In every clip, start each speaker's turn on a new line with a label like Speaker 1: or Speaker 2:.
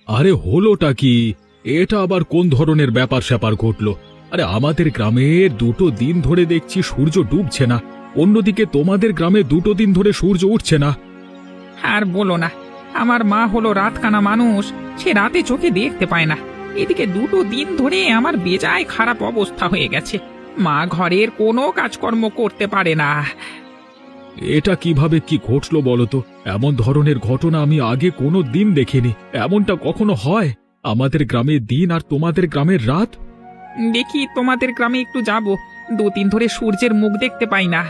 Speaker 1: আরে হলোটা কি? এটা আবার কোন ধরনের ব্যাপার স্যাপার ঘটলো? আরে আমাদের গ্রামে 2 দিন ধরে দেখছি সূর্য ডুবছে না, অন্যদিকে তোমাদের গ্রামে 2 দিন ধরে সূর্য উঠছে না।
Speaker 2: আর বলো না, আমার মা হলো রাতকানা মানুষ, সে রাতে চোখে দেখতে পায় না। এদিকে 2 দিন ধরে আমার বেজায় খারাপ অবস্থা হয়ে গেছে। মা ঘরের কোনো কাজকর্ম করতে পারে না।
Speaker 1: এটা কিভাবে কি ঘটলো বলো তো? এমন ধরনের ঘটনা আমি আগে কোনো দিন দেখিনি। এমনটা কখনো হয়? আমাদের গ্রামে দিন আর তোমাদের গ্রামের রাত।
Speaker 2: দেখি তোমাদের গ্রামে একটু যাব, 2 দিন ধরে সূর্যের মুখ দেখতে পাই না।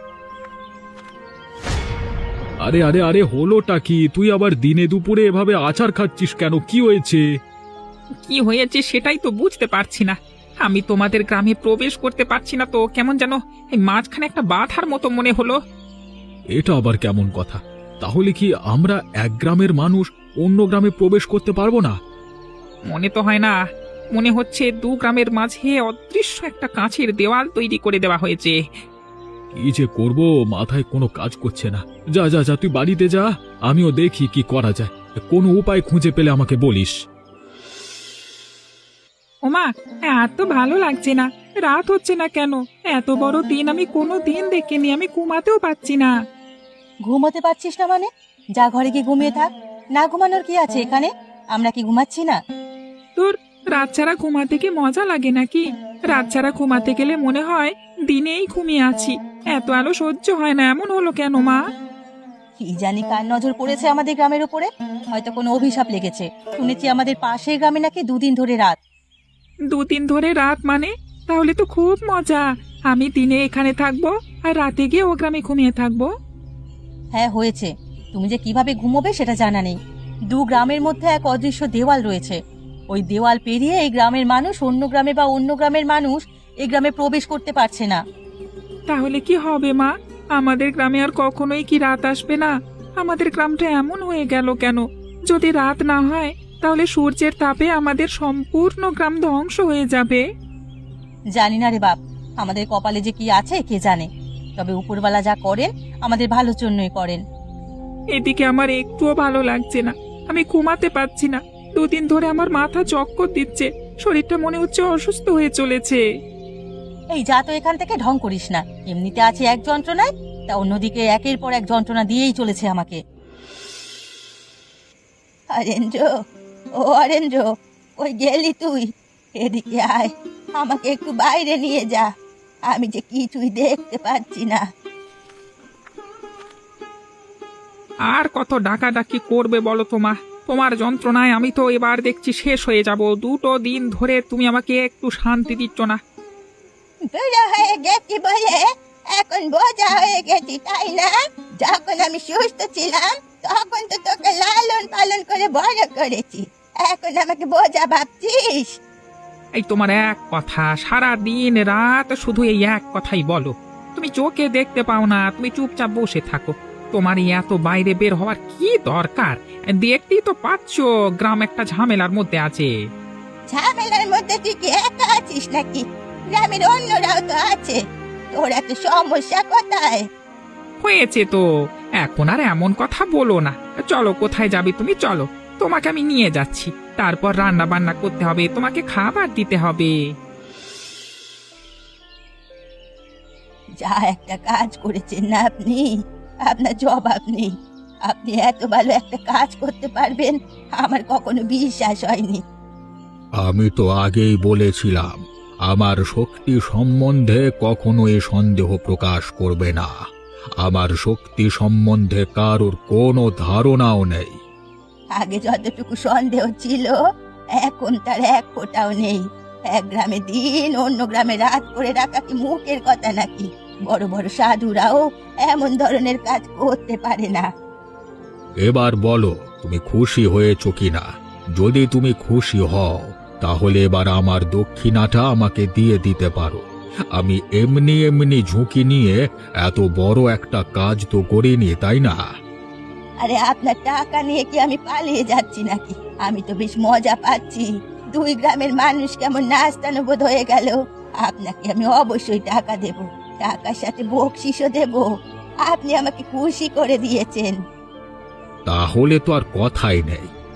Speaker 1: আরে আরে আরে হলোটা কি? তুই আবার দিনে দুপুরে এভাবে আছাড় খাচ্ছিস কেন? কি হয়েছে?
Speaker 2: কি হয়েছে সেটাই তো বুঝতে পারছি না। আমি তোমাদের গ্রামে প্রবেশ করতে পারছি না তো, কেমন যেন এই মাঝখানে একটা বাধার মতো মনে হলো।
Speaker 1: এটা আবার কেমন কথা? তাহলে কি আমরা এক গ্রামের মানুষ অন্য গ্রামে প্রবেশ করতে পারবো না?
Speaker 2: মনে তো হয় না, মনে হচ্ছে 2 গ্রামের মাঝে অদৃশ্য একটা কাঁচের দেওয়াল তৈরি করে দেওয়া হয়েছে।
Speaker 1: কি যে করব, মাথায় কোনো কাজ করছে না। যা যা যা, তুই বাড়িতে যা, আমিও দেখি কি করা যায়। কোনো উপায় খুঁজে পেলে আমাকে বলিস।
Speaker 2: ওমা, এত ভালো লাগছে না। রাত হচ্ছে না কেন? এত বড় দিন আমি কোনো দিন দেখিনি, আমি ঘুমাতেও পাচ্ছি না।
Speaker 3: ঘুমোতে পারছিস না মানে? যা ঘরে গিয়ে ঘুমিয়ে থাক। না ঘুমানোর কি আছে এখানে? আমরা কি ঘুমাচ্ছি না?
Speaker 2: তোর রাত ছাড়া ঘুমাতে কি মজা লাগে নাকি? রাত ছাড়া ঘুমাতে গেলে মনে হয় দিনেই ঘুমিয়ে আছি। এত আলো সহ্য হয় না, এমন হলো কেন মা?
Speaker 3: কি জানি কার নজর পড়েছে আমাদের গ্রামের উপরে। হয়তো কোনো অভিশাপ লেগেছে। শুনেছি আমাদের পাশের গ্রামে নাকি 2 দিন ধরে রাত।
Speaker 2: 2 দিন ধরে রাত মানে? তাহলে তো খুব মজা। আমি দিনে এখানে থাকবো আর রাতে গিয়ে ও গ্রামে ঘুমিয়ে থাকবো।
Speaker 3: হ্যাঁ হয়েছে। তুমি যে কিভাবে ঘুমোবে সেটা জানা নেই। 2 গ্রামের মধ্যে এক অদৃশ্য দেওয়াল রয়েছে। ওই দেওয়াল পেরিয়ে এই গ্রামের মানুষ অন্য গ্রামে বা অন্য গ্রামের মানুষ এই গ্রামে প্রবেশ করতে পারছে না।
Speaker 2: তাহলে কি হবে মা? আমাদের গ্রামে আর কখনোই কি রাত আসবে না? আমাদের গ্রামটা এমন হয়ে গেল কেন? যদি রাত না হয় তাহলে সূর্যের তাপে আমাদের সম্পূর্ণ গ্রাম ধ্বংস হয়ে যাবে।
Speaker 3: জানি না রে বাপ, আমাদের কপালে যে কি আছে কে জানে। তবে উপরওয়ালা যা করেন আমাদের ভালোর জন্যই করেন।
Speaker 2: এদিকে আমার একটুও ভালো লাগছে না, আমি ঘুমাতে পারছি না। 2 দিন ধরে আমার মাথা চক্কর দিচ্ছে, শরীরটা মনে হচ্ছে অসুস্থ হয়ে চলেছে।
Speaker 3: এই যা তো এখান থেকে ঢং করিস না। এমনিতে আছে এক যন্ত্রণায়, তা অন্যদিকে একের পর এক যন্ত্রণা দিয়েই চলেছে আমাকে। অরেঞ্জো, ও অরেঞ্জো, ওই গেলি তুই? এদিকে আয়, আমাকে একটু বাইরে নিয়ে যা। আমি যে কিছুই দেখতে পাচ্ছি না।
Speaker 2: আর কত ডাকাডাকি করবে বলো তোমা? তোমার যন্ত্রণায় আমি তো এবার দেখছি শেষ হয়ে যাব। 2 দিন ধরে তুমি আমাকে একটু শান্তি দিচ্ছ না।
Speaker 3: বুড়া হয়ে গেছি বলে এখন বোঝা হয়ে গেছি, তাই না? যখন আমি সুস্থ ছিলাম তখন তো তোকে লালন পালন করে বড় করেছি। এখন আমাকে বোঝা ভাবছিস?
Speaker 2: এই তোমার এক কথা, সারা দিন রাত শুধু এই এক কথাই বলো। তুমি চোখে দেখতে পাও না, তুমি চুপচাপ বসে থাকো। তোমার এই এত বাইরে বের হওয়ার কি দরকার? দেখতেই তো পাচ্ছ গ্রাম একটা ঝামেলার মধ্যে আছে।
Speaker 3: ঝামেলার মধ্যে তুই কি একা আছিস নাকি? গ্রামের অন্যরাও তো আছে। তোর এত সমস্যা কোথায়?
Speaker 2: হয়েছে তো, এখন আর এমন কথা বলো না। চলো, কোথায় যাবে তুমি? চলো, তোমাকে আমি নিয়ে যাচ্ছি। তারপর রান্না বান্না করতে হবে, তোমাকে খাবার দিতে হবে।
Speaker 3: যা একটা কাজ করেছেন না আপনি, আপনার জবাব নেই। আপনি এত ভালো একটা কাজ করতে পারবেন আমার কখনো বিশ্বাস হয়নি।
Speaker 1: আমি তো আগেই বলেছিলাম, আমার শক্তি সম্বন্ধে কখনোই সন্দেহ প্রকাশ করবে না। আমার শক্তি সম্বন্ধে কারোর কোনো ধারণাও নেই।
Speaker 3: আগে যতটুকু সন্দেহ ছিল এখন তার এক ফোঁটাও নেই। এক গ্রামে দিন অন্য গ্রামে রাত করে রাখা কি মুখের কথা নাকি? বড় বড় সাধুরাও এমন ধরনের কাজ করতে পারে না।
Speaker 1: এবার বলো, তুমি খুশি হয়েছো কিনা? যদি তুমি খুশি হও তাহলে এবার আমার দক্ষিণাটা আমাকে দিয়ে দিতে পারো। আমি এমনি এমনি ঝুঁকি নিয়ে এত বড় একটা কাজ তো করিনি, তাই না?
Speaker 3: আরে আপনার টাকা নিয়ে কি আমি পালিয়ে যাচ্ছি নাকি? আমি তো বেশ মজা পাচ্ছি। 2 গ্রামের মানুষ কেমন নাস্তানুবোধ হয়ে গেল। আপনাকে আমি অবশ্যই টাকা দেব, টাকার সাথে বকশিসও দেব। আপনি আমাকে খুশি করে দিয়েছেন।
Speaker 1: তাহলে তো আর কথাই নেই।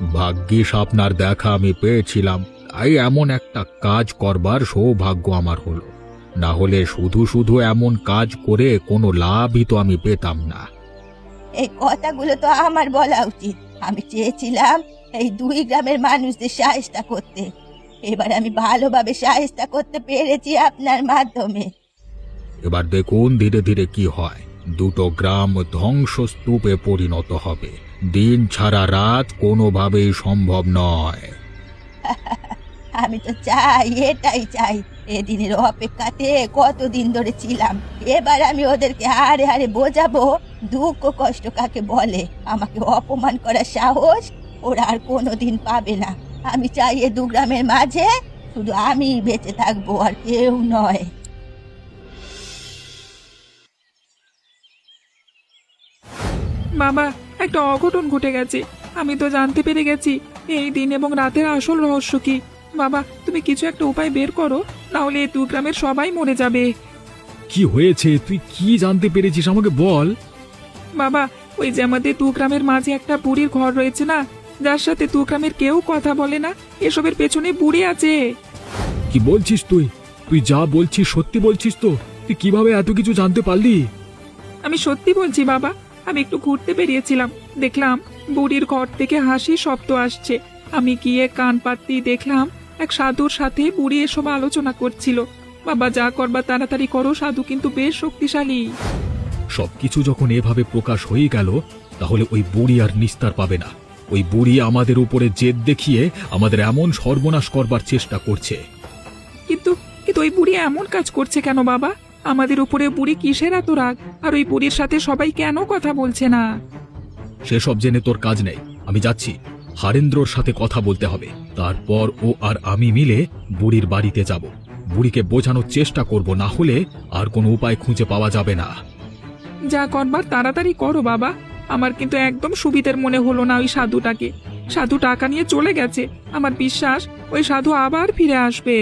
Speaker 1: ভাগ্যিস আপনার দেখা আমি পেয়েছিলাম, তাই এমন একটা কাজ করবার সৌভাগ্য আমার হলো। না হলে শুধু শুধু এমন কাজ করে কোনো লাভই তো আমি পেতাম না।
Speaker 3: এই কথাগুলো তো আমার বলা উচিত। আমি চেয়েছিলাম এই 2 গ্রামের মানুষদের সাহায্য করতে। এবার আমি ভালোভাবে সাহায্য করতে পেরেছি আপনার মাধ্যমে।
Speaker 1: এবার দেখুন ধীরে ধীরে কি হয়। 2টো গ্রাম ধ্বংসস্তূপে পরিণত হবে। দিন ছাড়া রাত কোনোভাবেই সম্ভব নয়।
Speaker 3: আমি তো চাই, এটাই চাই। এদিনের অপেক্ষাতে কতদিন ধরে ছিলাম। এবার আমি ওদেরকে হাড়ে হাড়ে বোঝাবো দুঃখ কষ্ট কাকে বলে। আমাকে অপমান করার সাহস ওরা আর কোনোদিন পাবে না। আমি চাই এ 2 গ্রামের মাঝে শুধু আমি বেঁচে থাকবো, আর কেউ নয়।
Speaker 2: বাবা, একটা অঘটন ঘটে গেছে। আমি তো জানতে পেরে গেছি এই দিন এবং রাতের আসল রহস্য কি। বাবা, তুমি কিছু একটা উপায় বের করো, না হলে এই 2 গ্রামের সবাই মরে যাবে।
Speaker 1: কি হয়েছে? তুই কি জানতে পেরেছিস আমাকে বল।
Speaker 2: বাবা, ওই যে আমাদের 2 গ্রামের মাঝে একটা বুড়ির ঘর রয়েছে না, যার সাথে 2 গ্রামের কেউ কথা বলে না, এসবের পেছনে বুড়ি আছে।
Speaker 1: কি বলছিস তুই? তুই যা বলছিস সত্যি বলছিস তো? তুই কিভাবে এত কিছু জানতে পারলি?
Speaker 2: আমি সত্যি বলছি বাবা। আমি একটু ঘুরতে বেরিয়েছিলাম, দেখলাম বুড়ির ঘর থেকে হাসি শব্দ আসছে। আমি গিয়ে কান পাততেই দেখলাম এক সাধুর সাথে বুড়ি এসব আলোচনা করছিল। বাবা, যা করবা তাড়াতাড়ি করো, সাধু কিন্তু বেশ শক্তিশালী।
Speaker 1: সবকিছু যখন এভাবে প্রকাশ হয়ে গেল, তাহলে ওই বুড়ি আর নিস্তার পাবে না। ওই বুড়ি আমাদের উপরে জেদ দেখিয়ে আমাদের এমন সর্বনাশ করবার চেষ্টা করছে।
Speaker 2: কিন্তু কিন্তু ওই বুড়ি এমন কাজ করছে কেন বাবা? আমাদের উপরে বুড়ি কিসের এত রাগ? আর ওই বুড়ির সাথে সবাই কেন কথা বলছে না?
Speaker 1: সেসব জেনে তোর কাজ নেই। আমি যাচ্ছি, হারেন্দ্রর সাথে কথা বলতে হবে। তারপর ও আর আমি মিলে বুড়ির বাড়িতে যাব। বুড়িকে বোঝানোর চেষ্টা করব, না হলে আর কোনো উপায় খুঁজে পাওয়া যাবে না।
Speaker 2: যা করবার তাড়াতাড়ি করো বাবা। আমার কিন্তু একদম সুবিধের মনে হলো না ওই সাধুটাকে। সাধু টাকা নিয়ে চলে গেছে। আমার বিশ্বাস ওই সাধু আবার ফিরে আসবে।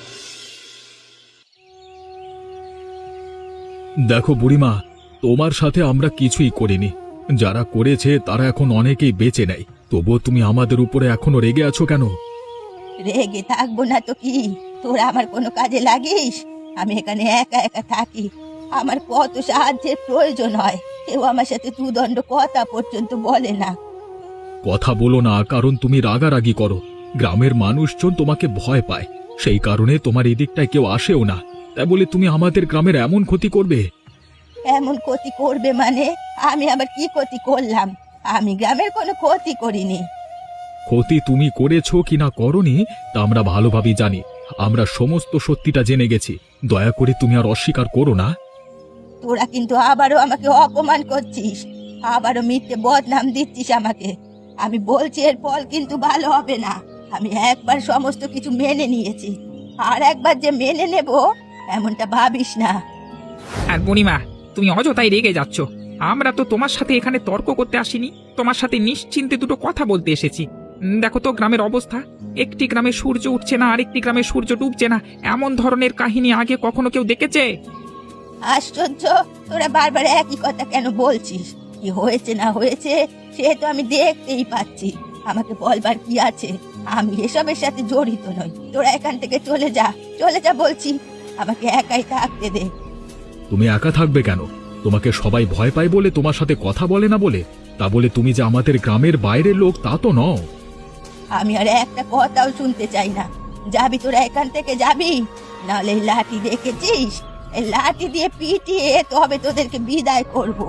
Speaker 1: দেখো বুড়িমা, তোমার সাথে আমরা কিছুই করিনি। যারা করেছে তারা এখন অনেকেই বেঁচে নেই। তবুও তুমি আমাদের উপরে এখনো রেগে আছো কেন?
Speaker 3: রেগে থাকবো না তো কি? তোরা আমার কোনো কাজে লাগিস? আমি এখানে একা একা থাকি। আমার কত সাহায্যের প্রয়োজন হয়, কেউ আমার সাথে 2 দণ্ড কথা পর্যন্ত বলে না।
Speaker 1: কথা বলো না, কারণ তুমি রাগারাগি করো। গ্রামের মানুষজন তোমাকে ভয় পায়, সেই কারণে তোমার এদিকটায় কেউ আসেও না। তাই বলে তুমি আমাদের গ্রামের এমন ক্ষতি করবে?
Speaker 3: এমন ক্ষতি করবে মানে? আমি আবার কি ক্ষতি করলাম? আমি গ্রামের কোনো ক্ষতি করিনি।
Speaker 1: ক্ষতি তুমি করেছো কিনা করনি তা আমরা ভালোভাবেই জানি। আমরা সমস্ত সত্যিটা জেনে গেছি। দয়া করে তুমি আর অস্বীকার করো না।
Speaker 3: তোরা কিন্তু আবারও আমাকে অপমান করছিস, আবারও মিথ্যে বদনাম দিচ্ছিস আমাকে। আমি বলছি এর ফল কিন্তু ভালো হবে না। আমি একবার সমস্ত কিছু মেনে নিয়েছি, আর একবার যে মেনে নেব এমনটা ভাবিস না।
Speaker 2: আর বুড়িমা, তুমি অযথাই রেগে যাচ্ছ। আমরা তো তোমার সাথে এখানে তর্ক করতে আসিনি, তোমার সাথে নিশ্চিন্তে 2টো কথা বলতে এসেছি। দেখো তো গ্রামের অবস্থা। একটি গ্রামে সূর্য উঠছে না, আরেকটি গ্রামে সূর্য ডুবছে না। এমন ধরনের কাহিনী আগে কখনো কেউ দেখেছে?
Speaker 3: আশ্চর্য, তোরা বারবার একই কথা কেন বলছিস? কি হয়েছে না হয়েছে সে তো আমি দেখতেই পাচ্ছি। আমাকে বলবার কি আছে? আমি এসবের সাথে জড়িত নই। তোরা এখান থেকে চলে যা, চলে যা বলছি। আমাকে একাই থাকতে দে।
Speaker 1: তুমি একা থাকবে কেন? তোমাকে সবাই ভয় পায় বলে তোমার সাথে কথা বলে না বলে? তা বলে তুমি যে আমাদের গ্রামের বাইরের লোক তা তো নও।
Speaker 3: আমি আর একটা কথাও শুনতে চাই না। যাবি তোরা এখান থেকে, যাবি? নাহলে এই লাঠি দেখেছিস? এই লাঠি দিয়ে পিটিয়ে তবে তোদেরকে বিদায় করব।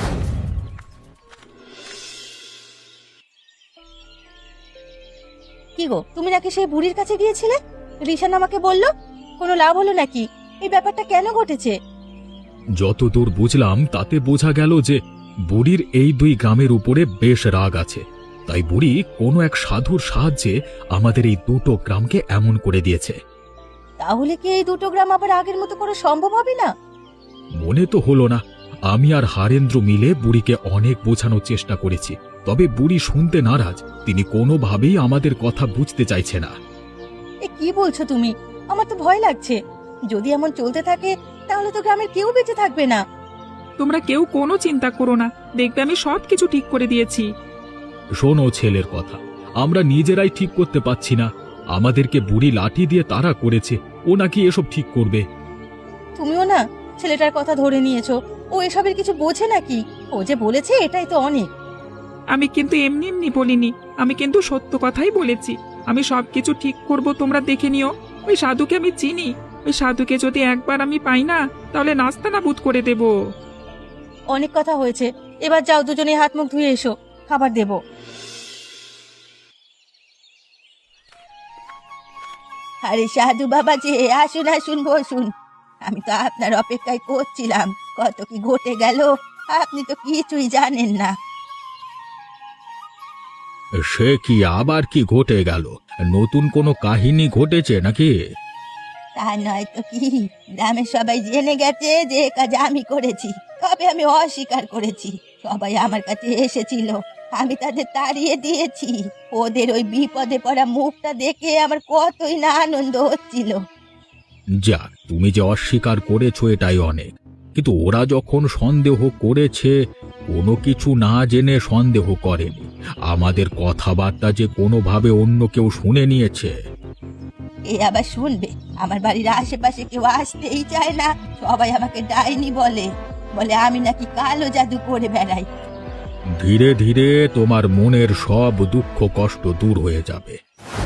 Speaker 3: কি গো, তুমি নাকি সেই বুড়ির কাছে গিয়েছিলে? রিশান আমাকে বলল। কোনো লাভ হলো নাকি? এই ব্যাপারটা কেন ঘটেছে?
Speaker 1: যতদূর বুঝলাম তাতে বোঝা গেল যে বুড়ির এই 2 গ্রামের উপরে বেশ রাগ আছে। তাই বুড়ি কোনো এক সাধুর সাহায্যে আমাদের এই 2টো গ্রামকে এমন করে দিয়েছে।
Speaker 3: তাহলে কি এই 2টো গ্রাম আবার আগের মতো করা সম্ভব হবে না?
Speaker 1: মনে তো হলো না। আমি আর হারেন্দ্র মিলে বুড়িকে অনেক বোঝানোর চেষ্টা করেছি, তবে বুড়ি শুনতে নারাজ। তিনি কোনোভাবেই আমাদের কথা বুঝতে চাইছে না।
Speaker 3: এ কি বলছো তুমি? আমার তো ভয় লাগছে। যদি এমন চলতে থাকে তাহলে তো গ্রামের কেউ বেঁচে থাকবে না।
Speaker 2: তোমরা কেউ কোনো চিন্তা করো না, দেখবে আমি সবকিছু ঠিক করে দিয়েছি।
Speaker 1: শোনো ছেলের কথা, আমরা নিজেরাই ঠিক করতে পারছি না। আমাদেরকে বুড়ি লাঠি দিয়ে তাড়া করেছে, ও নাকি এসব ঠিক করবে।
Speaker 3: তুমিও না ছেলেটার কথা ধরে নিয়েছো। ও এসবের কিছু বোঝে নাকি? ও যে বলেছে এটাই তো অনেক।
Speaker 2: আমি কিন্তু এমনি এমনি বলিনি, আমি কিন্তু সত্য কথাই বলেছি। আমি সবকিছু ঠিক করব, তোমরা দেখে নিও। ওই সাধুকে আমি চিনি, ওই সাধুকে যদি একবার আমি পাই না, তাহলে নাস্তানাবুদ করে দেব।
Speaker 3: অনেক কথা হয়েছে, এবার যাও দুজনে হাত মুখ ধুয়ে এসো, খাবার দেবো। আরে সাধু বাবা যে, আসুন আসুন বসুন। আমি তো আপনার অপেক্ষায় করছিলাম, কত কি ঘটে গেল আপনি তো কিছুই জানেন না।
Speaker 1: সে কি, আবার কি ঘটে গেল? নতুন কোনো কাহিনী ঘটেছে নাকি?
Speaker 3: তা নয় তো কি, গ্রামের সবাই জেনে গেছে যে এ কাজ আমি করেছি, তবে আমি অস্বীকার করেছি। সবাই আমার কাছে এসেছিল, আমি তাদের তাড়িয়ে দিয়েছি। ওদের ওই বিপদে পড়া মুখটা দেখে আমার কতই না আনন্দ হচ্ছিল।
Speaker 1: যাক, তুমি যে অস্বীকার করেছো এটাই অনেক। কিন্তু ওরা যখন সন্দেহ করেছে, কোনো কিছু না জেনে সন্দেহ করেনি। আমাদের কথাবার্তা যে কোনোভাবে অন্য কেউ শুনে নিয়েছে।
Speaker 3: এ আবার শুনবে? আমার বাড়ির আশেপাশে কেউ আসতেই চায় না, সবাই আমাকে ডাইনি বলে, বলে আমি নাকি কালো জাদু করে বেড়াই।
Speaker 1: ধীরে ধীরে তোমার মনের সব দুঃখ কষ্ট দূর হয়ে যাবে।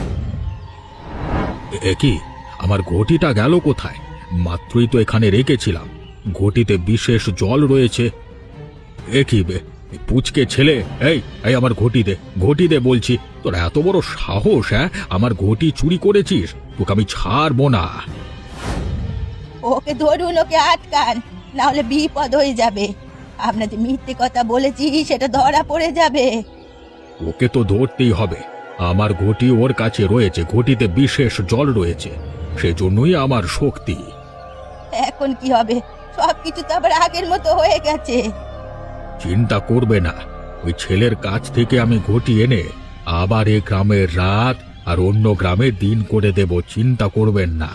Speaker 1: এ কি, আমার ঘটিটা গেল কোথায়? মাত্রই তো এখানে রেখেছিলাম। ঘটিতে বিশেষ জল রয়েছে। এ কি বে, এই পুচকে ছেলে, এই এই আমার ঘটি দে বলছি। তোর এত বড় সাহস, হ্যাঁ? আমার ঘটি চুরি করেছিস? তোকে আমি ছাড়বো না।
Speaker 3: ওকে ধরুন, ওকে আটকান, না হলে বিপদ হয়ে যাবে। আপনার যে মিথ্যে কথা বলেছি সেটা ধরা পড়ে যাবে।
Speaker 1: ওকে তো ধরতেই হবে। আমার ঘটি ওর কাছে রয়েছে, ঘটিতে বিশেষ জল রয়েছে, সেজন্যই আমার শক্তি।
Speaker 3: এখন কি হবে? সবকিছু তো আবার আগের মতো হয়ে গেছে।
Speaker 1: চিন্তা করবে না, ওই ছেলের কাছ থেকে আমি ঘটি এনে আবার এ গ্রামের রাত আর অন্য গ্রামের দিন করে দেব, চিন্তা করবেন না।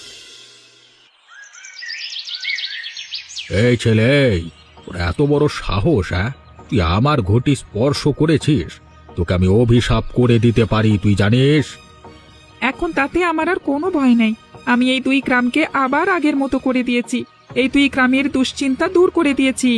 Speaker 1: এই ছেলে, এই, তোর এত বড় সাহস, হ্যাঁ? তুই আমার ঘটি স্পর্শ করেছিস? তোকে আমি অভিশাপ করে দিতে পারি, তুই জানিস?
Speaker 2: এখন তাতে আমার আর কোনো ভয় নেই। আমি এই দুই গ্রামকে আবার আগের মতো করে দিয়েছি, এই দুই গ্রামের দুশ্চিন্তা দূর করে দিয়েছি।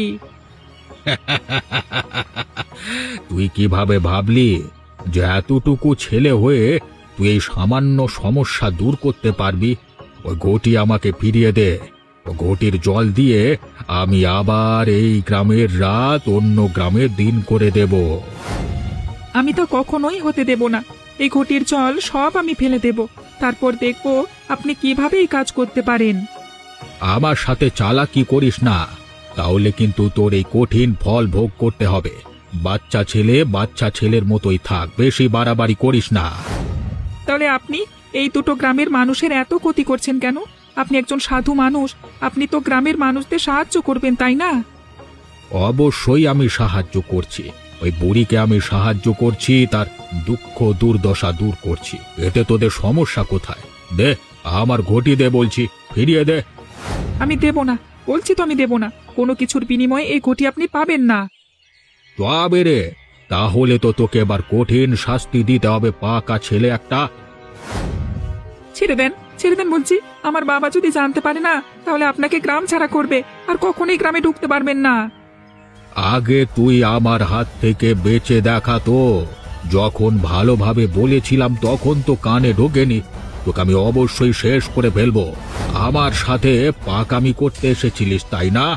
Speaker 1: তুই কিভাবে ভাবলি যে এতটুকু ছেলে হয়ে তুই এই সামান্য সমস্যা দূর করতে পারবি? ওই ঘটি আমাকে ফিরিয়ে দে। ও ঘটির জল দিয়ে আমি আবার এই গ্রামের রাত অন্য গ্রামের দিন করে দেব।
Speaker 2: আমি তো কখনোই হতে দেব না। এই ঘটির জল সব আমি ফেলে দেব, তারপর দেখব আপনি কিভাবে এই কাজ করতে পারেন।
Speaker 1: আমার সাথে চালাকি করিস না, তাহলে কিন্তু তোর এই কঠিন ফল ভোগ করতে হবে। বাচ্চা ছেলে বাচ্চা ছেলের মতোই থাক, বেশি বাড়াবাড়ি করিস না।
Speaker 2: তাহলে আপনি এই দুটো গ্রামের মানুষের এত ক্ষতি করছেন কেন? আপনি একজন সাধু মানুষ, আপনি তো গ্রামের মানুষদের সাহায্য করবেন, তাই না?
Speaker 1: অবশ্যই আমি সাহায্য করছি। ওই বুড়িকে আমি সাহায্য করছি, তার দুঃখ দুর্দশা দূর করছি। এতে তোদের সমস্যা কোথায়? দে, আমার ঘটি দে বলছি, ফিরিয়ে দে।
Speaker 2: আমি দেব না, বলছি তো আমি দেব না। কোনো কিছুর বিনিময়ে এই ঘটি আপনি পাবেন না।
Speaker 1: তবে রে, তাহলে তো তোকে এবার কঠিন শাস্তি দিতে হবে, পাকা ছেলে একটা।
Speaker 2: ছেড়ে দেন, ছেড়ে দেন বলছি। আমার বাবা যদি জানতে পারে না, তাহলে আপনাকে গ্রাম ছাড়া করবে, আর কখনোই গ্রামে ঢুকতে পারবেন না।
Speaker 1: আগে তুই আমার হাত থেকে বেঁচে দেখা তো। যখন ভালোভাবে বলেছিলাম তখন তো কানে ঢোকেনি। তোকে আমি অবশ্যই শেষ করে ফেলবো। আমার সাথে পাকামি করতে এসেছিলিস, তাই না?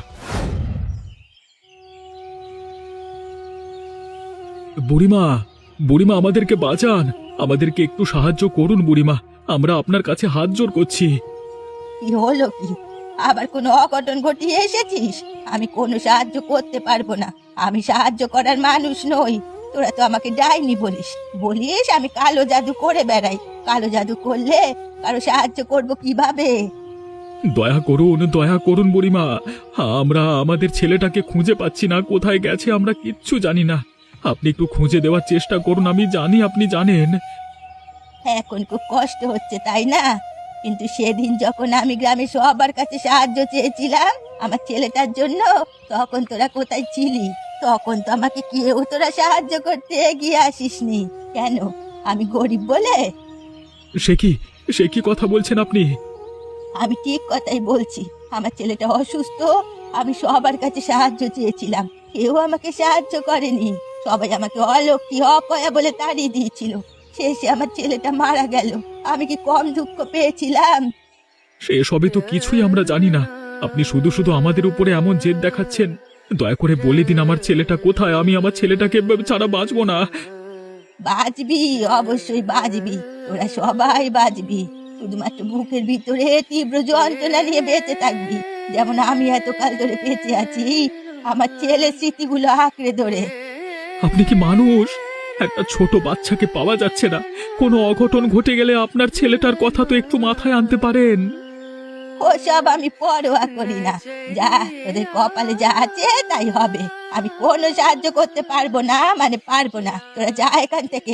Speaker 1: বুড়িমা, বুড়িমা, আমাদেরকে বাঁচান, আমাদেরকে একটু সাহায্য করুন বুড়িমা, আমরা আপনার কাছে হাত জোর করছি।
Speaker 3: কি হলো কি? আবার কোনো অঘটন ঘটিয়ে এসেছিস? আমি কোনো সাহায্য করতে পারবো না, আমি সাহায্য করার মানুষ নই। তোরা তো আমাকে ডাইনি বলিস আমি কালো জাদু করে বেড়াই। কালো জাদু করলে কারো সাহায্য করব কিভাবে?
Speaker 1: দয়া করুন বুড়িমা, আমরা আমাদের ছেলেটাকে খুঁজে পাচ্ছি না, কোথায় গেছে আমরা কিচ্ছু জানি না। আপনি একটু খুঁজে দেওয়ার চেষ্টা করুন, আমি জানি আপনি জানেন।
Speaker 3: এখন খুব কষ্ট হচ্ছে তাই না? কিন্তু সেদিন যখন আমি গ্রামে সবার কাছে সাহায্য চেয়েছিলাম আমার ছেলেটার জন্য, তখন তোরা কোথায় ছিলি? তখন তো আমাকে কেউ তোরা সাহায্য করতে এগিয়ে আসিসনি। কেন আমি গরিব বলে?
Speaker 1: সে কি কথা বলছেন আপনি?
Speaker 3: আমি ঠিক কথাই বলছি। আমার ছেলেটা অসুস্থ, আমি সবার কাছে সাহায্য চেয়েছিলাম, কেউ আমাকে সাহায্য করেনি। সবাই আমাকে অলক্ষী অপয়া বলে তাড়িয়ে দিয়েছিল। শেষে আমার ছেলেটা মারা গেল। আমি কি কম দুঃখ পেয়েছিলাম?
Speaker 1: সে সবই তো কিছুই আমরা জানি না। আপনি শুধু শুধু আমাদের উপরে এমন জেদ দেখাচ্ছেন। দয়া করে বলে দিন আমার ছেলেটা কোথায়, আমি আমার ছেলেটাকে ছাড়া বাঁচবো না।
Speaker 3: বাঁচবি, অবশ্যই বাঁচবি, তোরা সবাই বাঁচবি। শুধুমাত্র বুকের ভিতরে তীব্র যন্ত্রণা নিয়ে বেঁচে থাকবি, যেমন আমি এতকাল ধরে বেঁচে আছি আমার ছেলের স্মৃতিগুলো আঁকড়ে ধরে।
Speaker 1: আপনি কি মানুষ? একটা ছোট বাচ্চাকে পাওয়া যাচ্ছে না। কোনো অঘটন ঘটে গেলে আপনার ছেলেটার কথা তো একটু মাথায় আনতে পারেন।
Speaker 3: ওসব আমি পরোয়া করি না। যা, তোদের কপালে যা আছে তাই হবে। আমি কোনো সাহায্য করতে পারবো না, মানে পারবো না। তোরা যা এখান থেকে।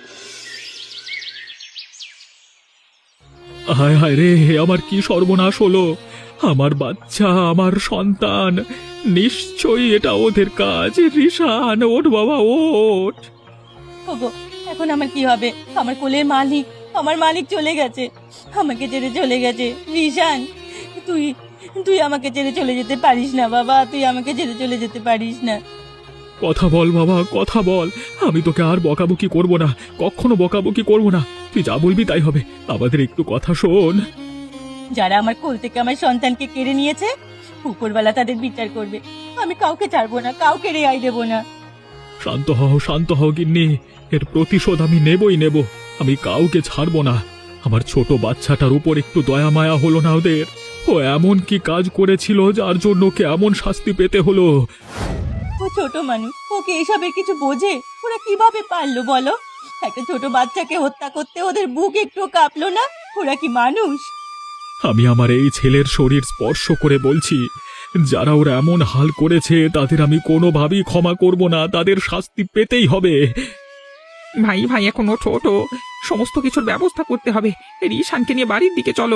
Speaker 1: হায় হায় রে, আমার কি সর্বনাশ হলো! আমার বাচ্চা, আমার সন্তান, নিশ্চয়ই এটা ওদের কাজ। রিশান, ওঠ বাবা, ওঠ।
Speaker 3: ওগো, এখন আমার কি হবে? আমার কোলের মালিক, আমার মালিক চলে গেছে, আমাকে ছেড়ে চলে গেছে। রিশান, তুই তুই আমাকে ছেড়ে চলে যেতে পারিস না বাবা, তুই আমাকে ছেড়ে চলে যেতে পারিস না।
Speaker 1: কথা বল বাবা, কথা বল। আমি তোকে আর বকাবকি করব না, কখনো বকাবকি করব না। তুই যা বলবি তাই হবে। আমাদের একটু কথা শোন।
Speaker 3: যারা আমার কোল থেকে আমার সন্তানকে কেড়ে নিয়েছে, উপরওয়ালা তাদের বিচার করবে। আমি কাউকে ছাড়বো না, কাউকে রেহাই দেবো না।
Speaker 1: শান্ত হও গিন্নি। এর প্রতিশোধ আমি নেবই নেব। আমি কাউকে ছাড়বো না। আমার ছোট বাচ্চাটার উপর একটু দয়া মায়া হলো না ওদের? ও এমন কি কাজ করেছিল যার জন্য ওকে এমন শাস্তি পেতে হলো?
Speaker 3: ও ছোট মানুষ, ওকে এসবের কিছু বোঝে? ওরা কিভাবে পারলো বলো? একটা ছোট বাচ্চাকে হত্যা করতে ওদের বুক একটু কাঁপলো না? ওরা কি মানুষ?
Speaker 1: আমি আমার এই ছেলের শরীর স্পর্শ করে বলছি, যারা ওরা এমন হাল করেছে তাদের আমি কোনোভাবেই ক্ষমা করব না। তাদের শাস্তি পেতেই হবে।
Speaker 2: ভাই ভাই, এখন ও ছোট, সমস্ত কিছুর ব্যবস্থা করতে হবে। রিশানকে নিয়ে বাড়ির দিকে চলো।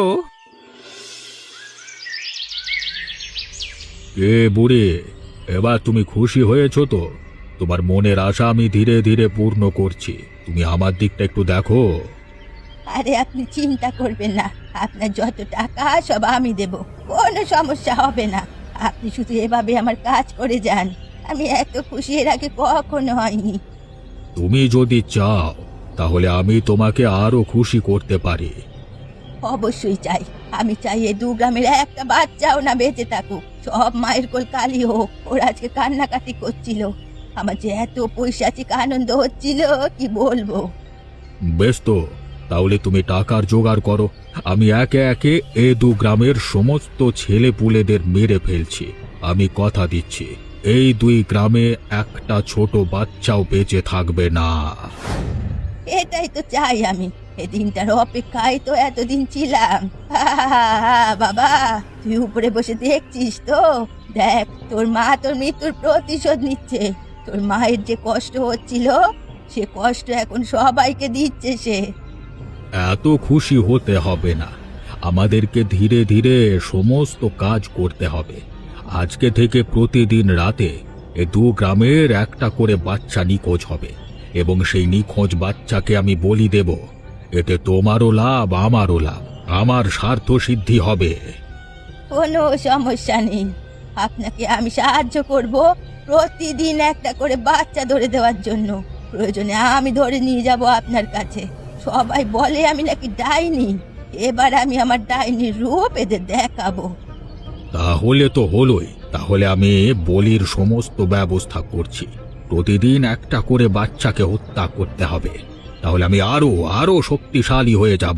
Speaker 1: এ বুড়ি, এবার তুমি খুশি হয়েছো তো? তোমার মনের আশা আমি ধীরে ধীরে পূর্ণ করছি। তুমি আমার দিকটা একটু দেখো।
Speaker 3: আরে আপনি চিন্তা করবেন না, আপনার যত টাকা সব আমি দেব, কোনো সমস্যা হবে না। আপনি শুধু এভাবে আমার কাজ করে যান। আমি এত খুশি এর আগে কখনো হয়নি।
Speaker 1: তুমি যদি চাও তাহলে আমি তোমাকে আরো খুশি করতে পারি।
Speaker 3: অবশ্যই চাই। আমি চাই এই 2 গ্রামের একটা বাচ্চাও না বেঁচে থাকুক। সব মায়ের কোল কালি হোক। ওরা আজকে কান্নাকাটি করছিল, আমার যে এত পৈশাচিক আনন্দ হচ্ছিল কি বলবো।
Speaker 1: বেশ তো, তাহলে তুমি টাকার জোগাড় করো। আমি একে একে এ 2 গ্রামের সমস্ত ছেলে পুলেদের মেরে ফেলছি। আমি কথা দিচ্ছি, এই 2 গ্রামে একটা ছোট বাচ্চাও বেঁচে থাকবে না।
Speaker 3: এটাই তো চাই আমি। এই দিনটার অপেক্ষায় তো এতদিন ছিলাম। বাবা, তুই উপরে বসে দেখছিস তো? দেখ, তোর মা তোর মৃত্যুর প্রতিশোধ নিচ্ছে। তোর মায়ের যে কষ্ট হচ্ছিল, সে কষ্ট এখন সবাইকে দিচ্ছে সে।
Speaker 1: এত খুশি হতে হবে না। আমাদেরকে ধীরে ধীরে সমস্ত কাজ করতে হবে। আজকে থেকে প্রতিদিন রাতে এ 2 গ্রামের একটা করে বাচ্চা নিখোঁজ হবে, এবং সেই নিখোঁজ বাচ্চাকে আমি বলি দেব। এতে তোমারও লাভ, আমারও লাভ, আমার স্বার্থ সিদ্ধি হবে।
Speaker 3: কোনো সমস্যা নেই, আপনাকে আমি সাহায্য করব প্রতিদিন একটা করে বাচ্চা ধরে দেওয়ার জন্য। প্রয়োজনে আমি ধরে নিয়ে যাব আপনার কাছে। সবাই বলে আমি নাকি ডাইনি। এবার আমি আমার ডাইনির রূপ এদের দেখাবো।
Speaker 1: তাহলে তো হলোই। তাহলে আমি বলির সমস্ত ব্যবস্থা করছি। প্রতিদিন একটা করে বাচ্চাকে হত্যা করতে হবে। তাহলে আমি আরো আরো শক্তিশালী হয়ে যাব।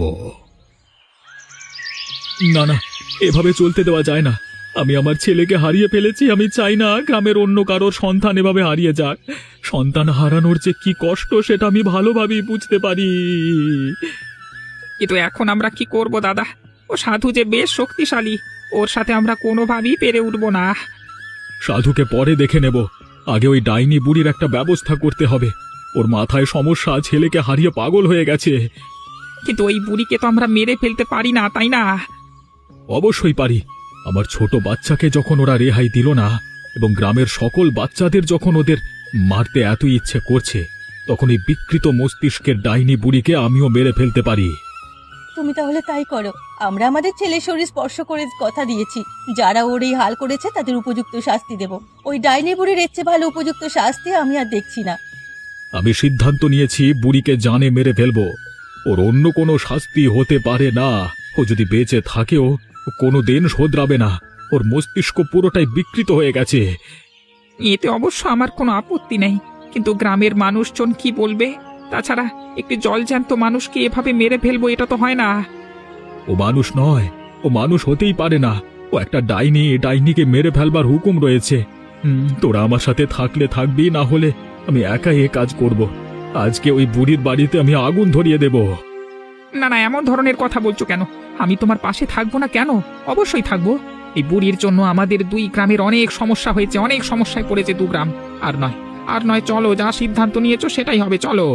Speaker 1: না না, এভাবে চলতে দেওয়া যায় না। আমি আমার ছেলেকে হারিয়ে ফেলেছি। আমি চাই না গ্রামের অন্য কারোর সন্তান এভাবে হারিয়ে যাক। সন্তান হারানোর যে কি কষ্ট সেটা আমি ভালোভাবেই বুঝতে পারি।
Speaker 2: কিন্তু এখন আমরা কি করব দাদা? ও সাধু যে বেশ শক্তিশালী, ওর সাথে আমরা কোনোভাবেই পেরে উঠব না।
Speaker 1: সাধুকে পরে দেখে নেব, আগে ওই ডাইনি বুড়ির একটা ব্যবস্থা করতে হবে। ওর মাথায় সমস্যা, ছেলেকে হারিয়ে পাগল হয়ে গেছে।
Speaker 2: কিন্তু ওই বুড়িকে তো আমরা মেরে ফেলতে পারি না, তাই না?
Speaker 1: অবশ্যই পারি। আমার ছোট বাচ্চাকে যখন ওরা রেহাই দিল না, এবং গ্রামের সকল বাচ্চাদের যখন ওদের মারতে এত ইচ্ছে করছে, তখন এই বিকৃত মস্তিষ্কের ডাইনি বুড়িকে আমিও মেরে ফেলতে পারি।
Speaker 3: তুমি তাহলে তাই করো। আমরা আমাদের ছেলের শরীর স্পর্শ করে কথা দিয়েছি, যারা ওর এই হাল করেছে তাদের উপযুক্ত শাস্তি দেব। ওই ডাইনি বুড়ির এর চেয়ে ভালো উপযুক্ত শাস্তি আমি আর দেখছি না।
Speaker 1: আমি সিদ্ধান্ত নিয়েছি বুড়িকে জানে মেরে ফেলবো। ওর অন্য কোনো শাস্তি হতে পারে না। ও যদি বেঁচে থাকেও কোনো দিন শোধরাবে না। ওর মস্তিষ্ক পুরোটাই বিকৃত হয়ে গেছে।
Speaker 2: এতে অবশ্য আমার কোনো আপত্তি নেই, কিন্তু গ্রামের মানুষজন কি বলবে? তাছাড়া একটি জলজ্যান্ত মানুষকে এভাবে মেরে ফেলবো, এটা তো হয় না।
Speaker 1: ও মানুষ নয়, ও মানুষ হতেই পারে না। ও একটা ডাইনি, ডাইনিকে মেরে ফেলবার হুকুম রয়েছে। তোরা আমার সাথে থাকলে থাকবি, না হলে আমি একাই এ কাজ করব। আজকে ওই বুড়ির বাড়িতে আমি আগুন ধরিয়ে দেব।
Speaker 2: না না, এমন ধরনের কথা বলছো কেন? আমি তোমার পাশে থাকবো না কেন? অবশ্যই থাকবো। এই বুড়ির জন্য আমাদের দুই গ্রামের অনেক সমস্যা হয়েছে, অনেক সমস্যায় পড়েছে দু গ্রাম। আর নয়, চলো, যা সিদ্ধান্ত নিয়েছো সেটাই হবে, চলো।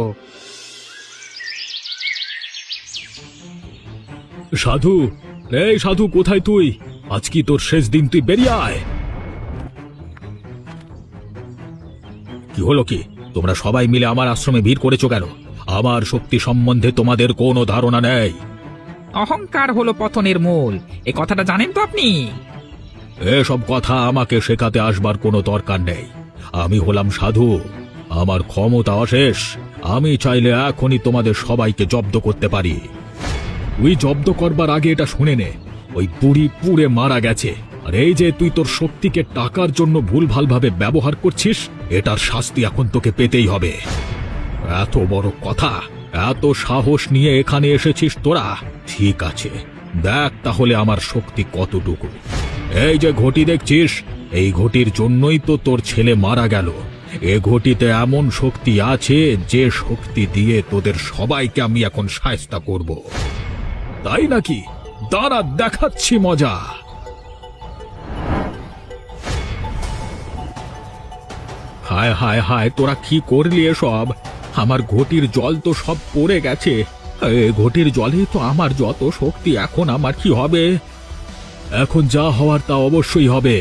Speaker 1: সাধু, এই সাধু, কোথায় তুই? আজ কি তোর শেষ দিন, তুই বেরিয়ে আয়। কি হলো কি? তোমরা সবাই মিলে আমার আশ্রমে ভিড় করেছো কেন? আমার শক্তি সম্বন্ধে তোমাদের কোনো ধারণা নেই।
Speaker 2: অহংকার হলো পতনের মূল, এ কথাটা জানেন তো আপনি?
Speaker 1: এসব কথা আমাকে শেখাতে আসবার কোনো দরকার নেই। আমি হলাম সাধু, আমার ক্ষমতা অশেষ। আমি চাইলে এখনই তোমাদের সবাইকে জব্দ করতে পারি। তুই জব্দ করবার আগে এটা শুনে নে, ওই বুড়ি পুড়ে মারা গেছে। আর এই যে তুই তোর শক্তিকে টাকার জন্য ভুলভালভাবে ব্যবহার করছিস, এটার শাস্তি এখন তোকে পেতেই হবে। এত বড় কথা, এত সাহস নিয়ে এখানে এসেছিস তোরা? ঠিক আছে, দেখ তাহলে আমার শক্তি কতটুকু। এই যে ঘটি দেখছিস, এই ঘটির জন্যই তো তোর ছেলে মারা গেল। এ ঘটিতে এমন শক্তি আছে যে শক্তি দিয়ে তোদের সবাইকে আমি এখন শায়েস্তা করব। তাই নাকি? দাঁড়া, দেখাচ্ছি মজা। হায় হায় হায়, তোরা কি করলি এসব? আমার ঘটির জল তো সব পড়ে গেছে। এ ঘটির জলে তো আমার যত শক্তি, এখন আমার কি হবে? এখন যা হওয়ার তা অবশ্যই হবে।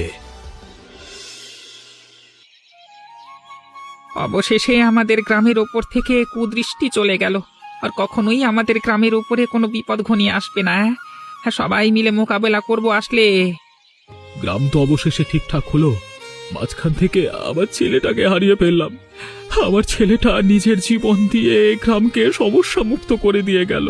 Speaker 2: অবশেষে আমাদের গ্রামের ওপর থেকে কুদৃষ্টি চলে গেল। আর কখনোই আমাদের গ্রামের উপরে কোনো বিপদ ঘনিয়ে আসবে না। হ্যাঁ, সবাই মিলে মোকাবেলা করব আসলে।
Speaker 1: গ্রাম তো অবশেষে ঠিকঠাক হলো। মাঝখান থেকে আমার ছেলেটাকে হারিয়ে ফেললাম। আমার ছেলেটা নিজের জীবন দিয়ে গ্রামকে সমস্যা মুক্ত করে দিয়ে গেল।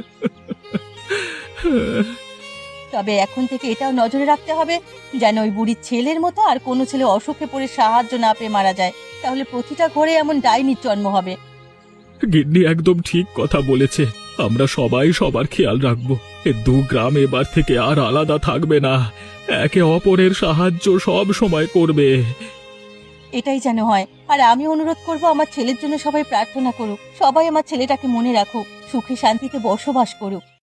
Speaker 3: তবে এখন থেকে এটাও নজরে রাখতে হবে যেন ওই বুড়ির ছেলের মতো আর কোনো ছেলে অসুখে পড়ে সাহায্য না পেয়ে মারা যায়। তাহলে প্রতিটা ঘরে এমন ডাইনির জন্ম হবে।
Speaker 1: গিন্নি একদম ঠিক কথা বলেছে। আমরা সবাই সবার খেয়াল রাখবো। এ দু গ্রাম এবার থেকে আর আলাদা থাকবে না। একে অপরের সাহায্য সব সময় করবে।
Speaker 3: এটাই যেন হয়। আর আমি অনুরোধ করব, আমার ছেলের জন্য সবাই প্রার্থনা করুক। সবাই আমার ছেলেটাকে মনে রাখুক, সুখে শান্তিতে বসবাস করুক।